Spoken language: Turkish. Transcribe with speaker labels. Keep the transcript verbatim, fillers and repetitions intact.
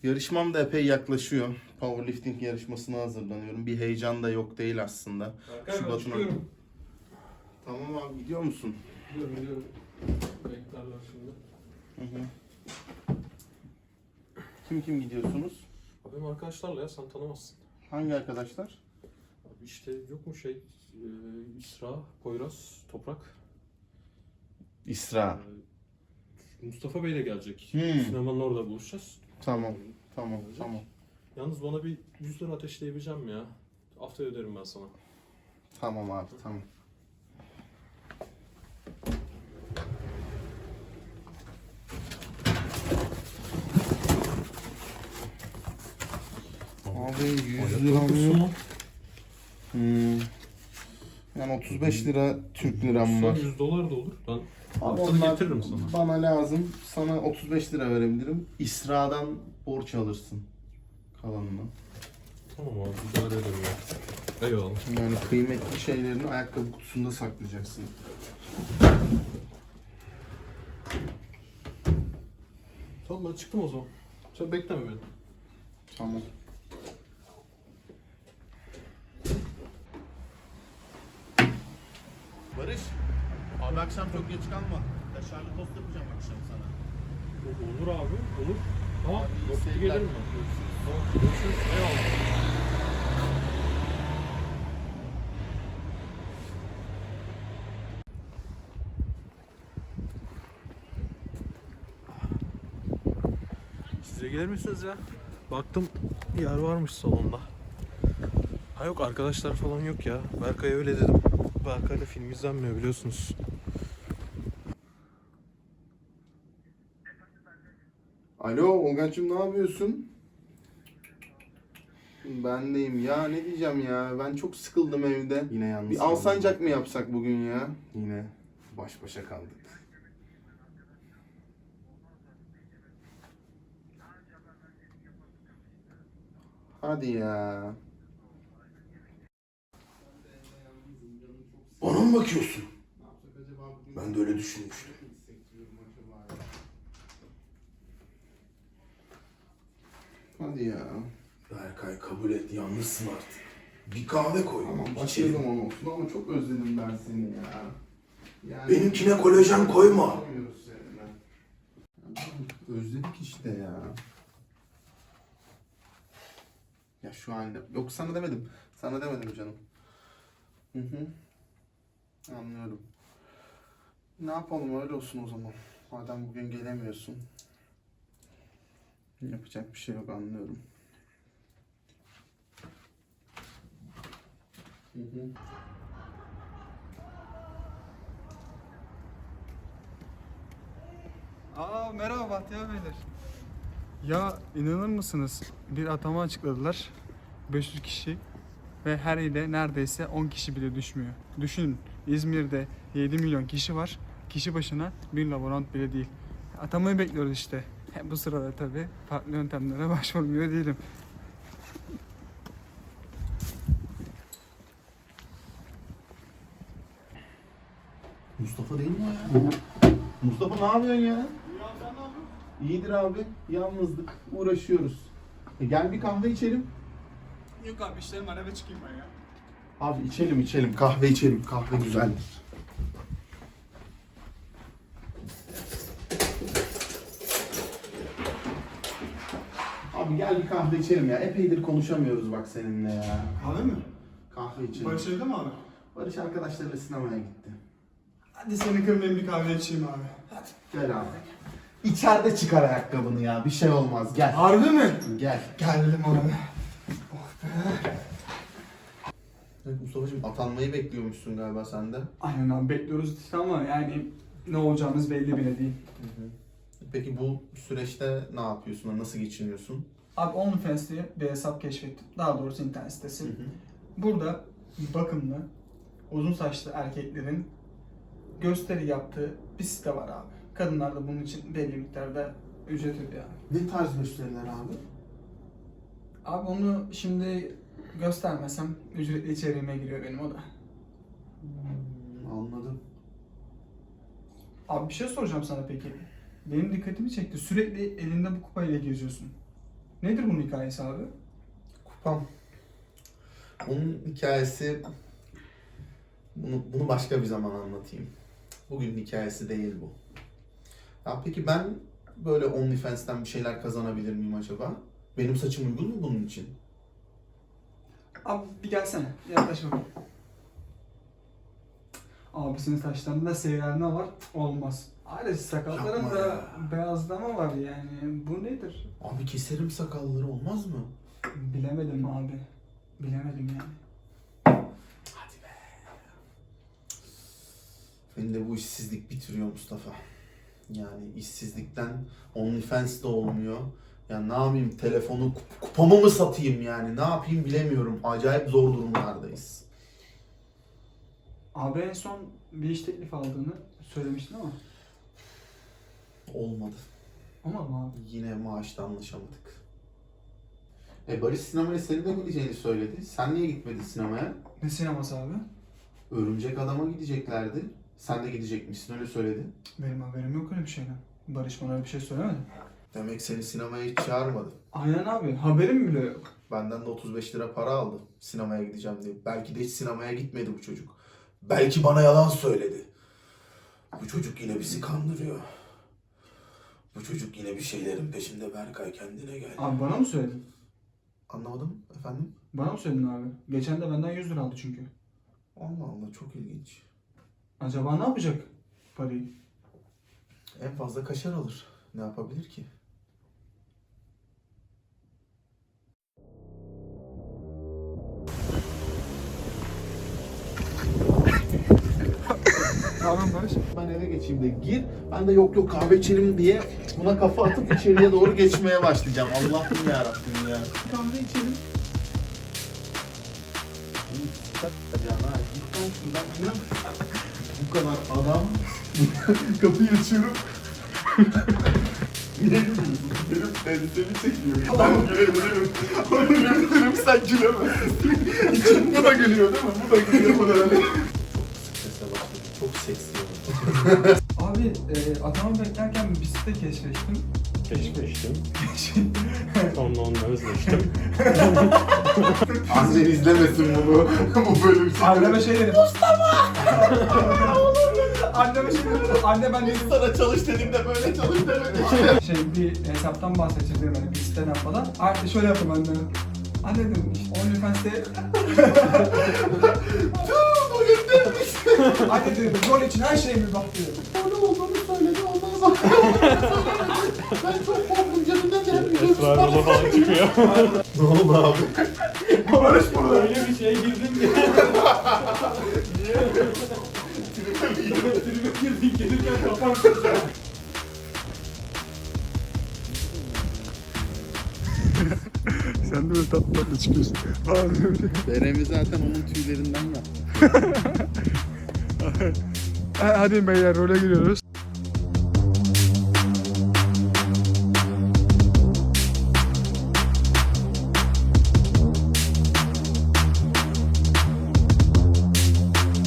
Speaker 1: Yarışmam da epey yaklaşıyor. Powerlifting yarışmasına hazırlanıyorum. Bir heyecan da yok değil aslında.
Speaker 2: Berkay, ben
Speaker 1: Şubat'ın-
Speaker 2: çıkıyorum.
Speaker 1: Tamam abi, gidiyor musun?
Speaker 2: Gidiyorum gidiyorum. Beklerler şimdi.
Speaker 1: Hı hı. Kim kim gidiyorsunuz?
Speaker 2: Abi benim arkadaşlarla ya, sen tanımazsın.
Speaker 1: Hangi arkadaşlar?
Speaker 2: Abi işte yok mu şey, e, İsra, Poyraz, Toprak.
Speaker 1: İsra.
Speaker 2: E, Mustafa Bey de gelecek.
Speaker 1: Hmm.
Speaker 2: Sinemanın orada buluşacağız.
Speaker 1: Tamam. Tamam.
Speaker 2: Gelecek.
Speaker 1: Tamam.
Speaker 2: Yalnız bana bir yüz lira ateşleyebileceğim ya. Haftaya öderim ben sana.
Speaker 1: Tamam abi. Tamam. Abi yüz lira mı? Hmm. Yani otuz beş lira Türk liram var.
Speaker 2: yüz dolar da olur. Ben
Speaker 1: Abi
Speaker 2: altını
Speaker 1: onlar
Speaker 2: getiririm sana.
Speaker 1: bana lazım. Sana otuz beş lira verebilirim. İsra'dan borç alırsın kalanını.
Speaker 2: Tamam abi, idare ederim ya. Eyvallah.
Speaker 1: Yani kıymetli şeylerini ayakkabı kutusunda saklayacaksın.
Speaker 2: Tamam, ben çıktım o zaman. Sen bekleme beni.
Speaker 1: Tamam. Barış, abi akşam çok geç kalma. Kaşarlı tost yapacağım akşam sana.
Speaker 2: Olur abi, olur. Tamam,
Speaker 1: Abi, iyi
Speaker 2: yok
Speaker 1: seyirler.
Speaker 2: gelirim ben. Tamam, görüşürüz. Eyvallah. Size gelir misiniz ya? Baktım yer varmış salonda. Ha yok, arkadaşlar falan yok ya. Berkay'a öyle dedim. Berkay'la film izlenmiyor biliyorsunuz.
Speaker 1: Alo Olgancığım, ne yapıyorsun? Ben deyim ya, ne diyeceğim ya, ben çok sıkıldım evde. Yine yalnız Bir Alsancak mı yapsak bugün ya? Yine baş başa kaldık. Hadi ya.
Speaker 3: Bana mı bakıyorsun? Ben de öyle düşünmüştüm.
Speaker 1: Hadi ya.
Speaker 3: Berkay, kabul et, yalnızsın artık. Bir kahve koy.
Speaker 1: Tamam,
Speaker 3: içelim.
Speaker 1: başlayalım olsun ama çok özledim ben seni ya. Yani
Speaker 3: Benimkine kolajen koyma.
Speaker 1: Yapamıyoruz seninle. Özledik işte ya. Ya şu halde. Yok, sana demedim. Sana demedim canım. Hı hı. Anlıyorum. Ne yapalım, öyle olsun o zaman. Madem bugün gelemiyorsun. Yapacak bir şey yok, anlıyorum. Hı hı.
Speaker 4: Aa, merhaba Bahtiyar Beyler. Ya inanır mısınız? Bir atama açıkladılar. beş yüz kişi ve her ile neredeyse on kişi bile düşmüyor. Düşünün, İzmir'de yedi milyon kişi var. Kişi başına bir laborant bile değil. Atamayı bekliyoruz işte. He, bu sırada tabii farklı yöntemlere başvurmuyor değilim.
Speaker 1: Mustafa değil mi o ya? Mustafa, ne yapıyorsun ya? İyidir abi. Yalnızlık. Uğraşıyoruz. E gel bir kahve içelim.
Speaker 4: Yok abi, işlerim var, eve çıkayım ben ya.
Speaker 1: Abi içelim içelim. Kahve içelim. Kahve güzeldir. Abi gel bir kahve içelim ya. Epeydir konuşamıyoruz bak seninle ya.
Speaker 4: Kahve mi?
Speaker 1: Kahve içelim.
Speaker 4: Barış evde mi abi?
Speaker 1: Barış arkadaşlarıyla sinemaya gitti.
Speaker 4: Hadi seni kırmayayım, bir kahve içeyim abi. Hadi.
Speaker 1: Gel abi. İçeride çıkar ayakkabını ya. Bir şey olmaz. Gel.
Speaker 4: Harbi mi?
Speaker 1: Gel.
Speaker 4: Geldim abi.
Speaker 1: Evet Mustafa'cığım, atanmayı bekliyormuşsun galiba sen de.
Speaker 4: Aynen abi, bekliyoruz işte ama yani ne olacağımız belli bile değil.
Speaker 1: Peki bu süreçte ne yapıyorsun? Nasıl geçiniyorsun?
Speaker 4: Abi OnlyFans diye bir hesap keşfettim. Daha doğrusu internet sitesi. Burada bakımlı, uzun saçlı erkeklerin gösteri yaptığı bir site var abi. Kadınlar da bunun için belli miktarda ücret ödüyor abi.
Speaker 1: Ne tarz gösteriler abi?
Speaker 4: Abi onu şimdi göstermesem ücretli içeriğime giriyor benim o da.
Speaker 1: Hmm, anladım.
Speaker 4: Abi bir şey soracağım sana peki. Benim dikkatimi çekti. Sürekli elinde bu kupayla geziyorsun. Nedir bunun hikayesi abi?
Speaker 1: Kupam. Bunun hikayesi... Bunu, bunu başka bir zaman anlatayım. Bugün hikayesi değil bu. Ya peki ben böyle OnlyFans'ten bir şeyler kazanabilir miyim acaba? Benim saçım uygun mu bunun için?
Speaker 4: Abi bir gelsene. Yaklaş bakayım. Abisinin saçlarında seyrelme var. Olmaz. Ailesi sakalların
Speaker 1: Yapma
Speaker 4: da
Speaker 1: ya.
Speaker 4: beyazlama var yani. Bu nedir?
Speaker 1: Abi keserim sakalları olmaz mı?
Speaker 4: Bilemedim abi. Bilemedim yani.
Speaker 1: Hadi be. Beni de bu işsizlik bitiriyor Mustafa. Yani işsizlikten OnlyFans de olmuyor. Ya ne yapayım, telefonu kup- kupamı mı satayım yani? Ne yapayım bilemiyorum. Acayip zor durumlardayız.
Speaker 4: Abi en son bir iş teklifi aldığını söylemiştin ama.
Speaker 1: Olmadı.
Speaker 4: Olmadı mı abi?
Speaker 1: Yine maaşta anlaşamadık. E Barış sinemaya senin de gideceğini söyledi. Sen niye gitmedin sinemaya?
Speaker 4: Ne sineması abi?
Speaker 1: Örümcek Adam'a gideceklerdi. Sen de gidecekmişsin, öyle söyledi.
Speaker 4: Benim haberim yok öyle bir şeyden. Barış bana öyle bir şey söylemedi.
Speaker 1: Demek seni sinemaya hiç çağırmadı.
Speaker 4: Aynen abi. Haberim bile yok.
Speaker 1: Benden de otuz beş lira para aldı sinemaya gideceğim diye. Belki de hiç sinemaya gitmedi bu çocuk. Belki bana yalan söyledi. Bu çocuk yine bizi kandırıyor. Bu çocuk yine bir şeylerin peşinde Berkay, kendine gel.
Speaker 4: Abi bana mı söyledin?
Speaker 1: Anlamadım efendim.
Speaker 4: Bana mı söyledin abi? Geçen de benden yüz lira aldı çünkü.
Speaker 1: Allah Allah, çok ilginç.
Speaker 4: Acaba ne yapacak parayı?
Speaker 1: En fazla kaşar alır. Ne yapabilir ki?
Speaker 4: Tamam Barış.
Speaker 1: Ben eve geçeyim de gir. Ben de yok yok kahve içelim diye buna kafa atıp içeriye doğru geçmeye başlayacağım. Allah'ım yarabbim ya. Kahve içelim. Bu kadar adam. Kapıyı açıyorum. Niye gülüyorsun? Benim elbisemi çekiyor. Ben gülebilirim. Onu gülebilirim, sen gülemezsin. Bu da gülüyor değil mi? Bu da gülüyor. Bu da öyle. Çok strese başladım. Çok seksi oldu.
Speaker 4: Abi e, atamı beklerken bir site keşfettim.
Speaker 2: Keşfettim. Sonra onunla özleştim.
Speaker 1: Annen izlemesin bunu. Bu böyle bir şey.
Speaker 4: Anneme şey dedim. Mustafa! Anneme şey dedim. Anne ben dedim.
Speaker 1: Sana çalış dediğimde böyle çalış demedi.
Speaker 4: Şey bir hesaptan bahsedeceğim yani bir siteden falan. Artık şöyle yaptım anne. Anne dedim işte OnlyFans'te... Anne dedim rol için her şeye bir bak dedim.
Speaker 1: Öyle olduğunu söyledi. Ondan sonra ben çok korktum. Canımdan gelmiyor.
Speaker 2: Esrar dolu falan çıkıyor.
Speaker 1: Ne oldu abi?
Speaker 4: Barış burada.
Speaker 2: Öyle bir şeye girdim ki. Tribe girdin, gelirken kafam kıracak.
Speaker 4: Sen de böyle tatlı tatlı çıkıyorsun.
Speaker 1: Beremi zaten onun tüylerinden yaptı.
Speaker 4: Hadi beyler role giriyoruz.